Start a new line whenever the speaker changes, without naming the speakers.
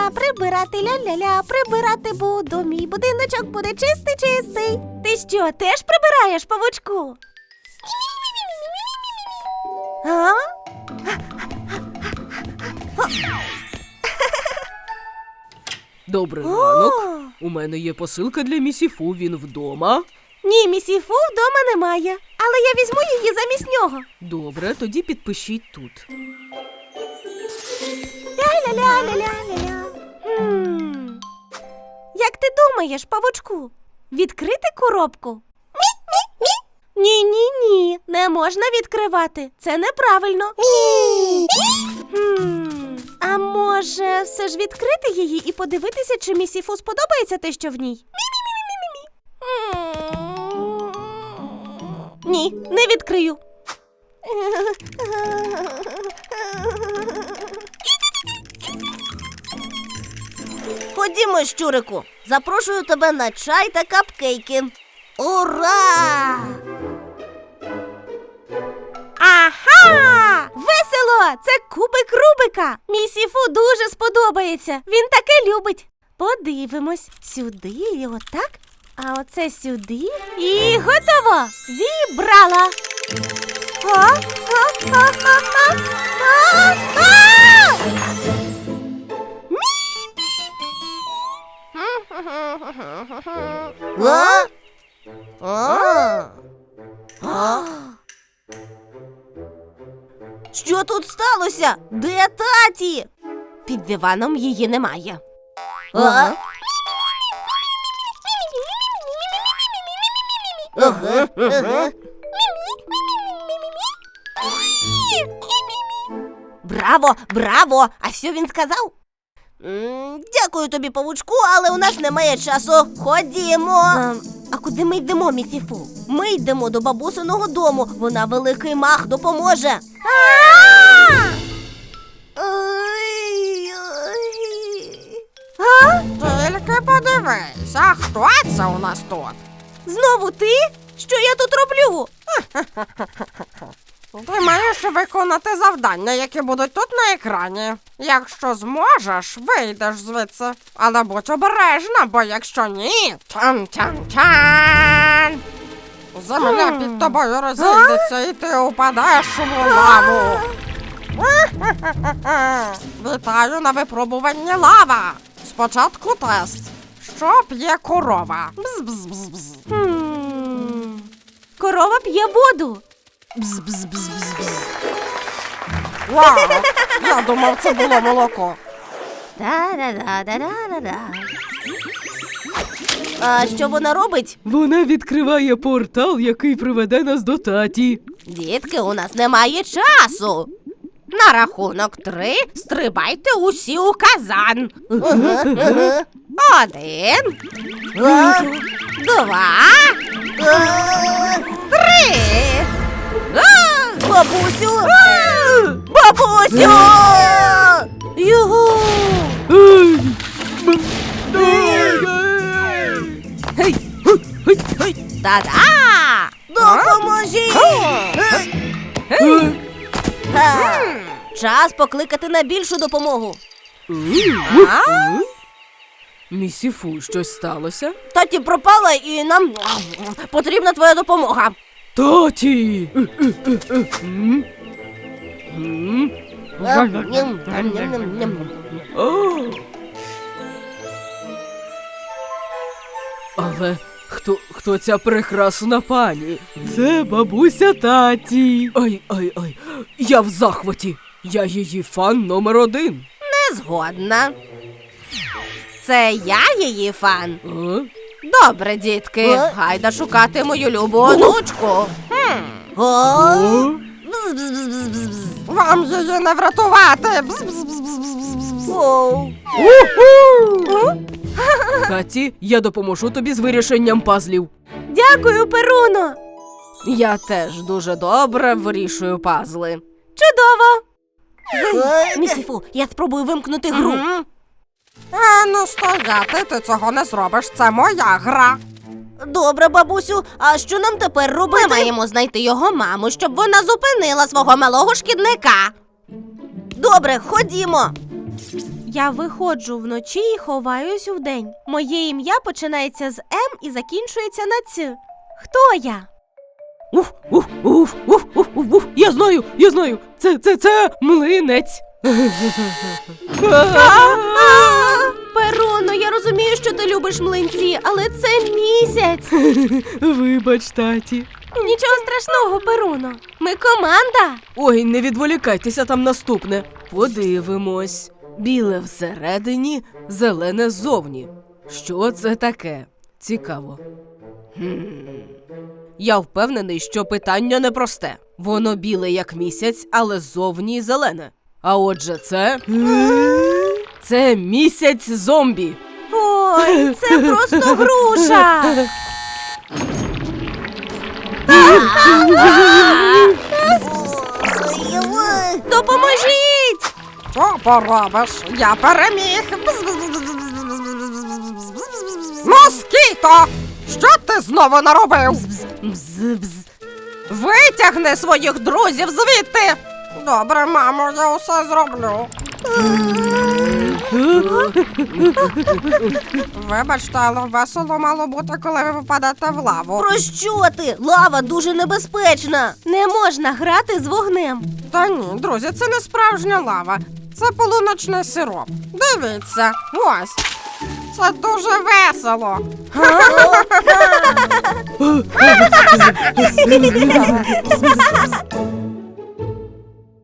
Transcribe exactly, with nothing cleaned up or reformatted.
ля-ля-ля, прибирати ля-ля-ля, прибирати буду, мій будиночок буде чистий-чистий. Ти що, теж прибираєш, павучку? А?
Добрий ранок. У мене є посилка для місіфу, він вдома.
Ні, місіфу вдома немає, але я візьму її замість нього.
Добре, тоді підпишіть тут.
Ля-ля-ля-ля-ля-ля. Хм. Як ти думаєш, павучку, відкрити коробку? Ні-ні-ні, не можна відкривати. Це неправильно. Хм. А може, все ж відкрити її і подивитися, чи місіфу сподобається те, що в ній? Ні, не відкрию.
Ходімо, щурику, запрошую тебе на чай та капкейки. Ура!
Ага! Весело! Це кубик Рубика! Місіфу дуже сподобається. Він таке любить. Подивимось. Сюди і отак. А оце сюди. І готово! Зібрала! А? А? А? А? А? А?
А? А? А? Що тут сталося? Де таті?
Під диваном її немає.
А? Ага, ага. Браво, браво! А що він сказав? М, Дякую тобі, павучку, але у нас немає часу. Ходімо.
А, а куди ми йдемо, місіфу?
Ми йдемо до бабусиного дому. Вона великий мах допоможе.
А?
Тільки подивись, а хто це у нас тут?
Знову ти? Що я тут роблю?
Ти маєш виконати завдання, які будуть тут на екрані. Якщо зможеш, вийдеш звідси. Але будь обережна, бо якщо ні, тян-тян-тян! Земля під тобою розійдеться і ти упадеш у лаву. Вітаю на випробуванні лава. Спочатку тест. Що п'є корова? Бз-бз-бз-бз.
Хм. Корова п'є воду.
Бз-бз-бз-бз-бз.
Вау! Я думав, це було молоко.
Та-да-да-да-да-да. А що вона робить?
Вона відкриває портал, який приведе нас до таті.
Дітки, у нас немає часу. На рахунок три стрибайте усі у казан. Один, два, три. Бабусю! Бабусю! Югу!
Ей! Б- Гей! Гей! Гей! Гей!
Та-да! Допоможіть!
Е!
Га. Час покликати на більшу допомогу.
Е? Місіфу, щось сталося?
Таті пропала і нам потрібна твоя допомога.
Таті! Е, е, е, е. М? М? О! Але хто, хто ця прекрасна пані? Це бабуся таті. Ай, ай, ай. Я в захваті. Я її фан номер один.
Не згодна. Це я її фан.
А?
Добре, дітки, Е? гайда шукати мою любу онучку. О?
О?
Бз-бз-бз-бз-бз.
Вам її не врятувати. Бз-бз-бз-бз-бз-бз.
Оу.
Таті, я допоможу тобі з вирішенням пазлів.
Дякую, Перуно.
Я теж дуже добре вирішую пазли.
Чудово.
Ой, Місіфу, я спробую вимкнути гру.
Мгм. А ну стояти, ти цього не зробиш, це моя гра.
Добре, бабусю, а що нам тепер робити? Ми маємо знайти його маму, щоб вона зупинила свого малого шкідника. Добре, ходімо.
Я виходжу вночі і ховаюсь вдень. Моє ім'я починається з М і закінчується на Ц. Хто я?
Уф, уф, уф, уф, уф, уф, уф. Я знаю, я знаю. Це, це, це млинець.
Перуно, я розумію, що ти любиш млинці, але це місяць.
Вибач, таті.
Нічого страшного, Перуно. Ми команда.
Ой, не відволікайтеся, там наступне. Подивимось. Біле всередині, зелене ззовні. Що це таке? Цікаво. Хм. Я впевнений, що питання непросте. Воно біле, як місяць, але ззовні зелене. А отже, це... Це місяць зомбі.
Ой, це просто груша. Допоможіть!
Що поробиш? Я переміг. Москіто! Що ти знову наробив?
Бз-бз.
Витягни своїх друзів звідти! Добре, мамо, я усе зроблю. Вибачте, але весело мало бути, коли ви випадете в лаву.
Про що ти? Лава дуже небезпечна.
Не можна грати з вогнем.
Та ні, друзі, це не справжня лава. Це полуночний сироп. Дивіться, ось. Це дуже весело.
Га?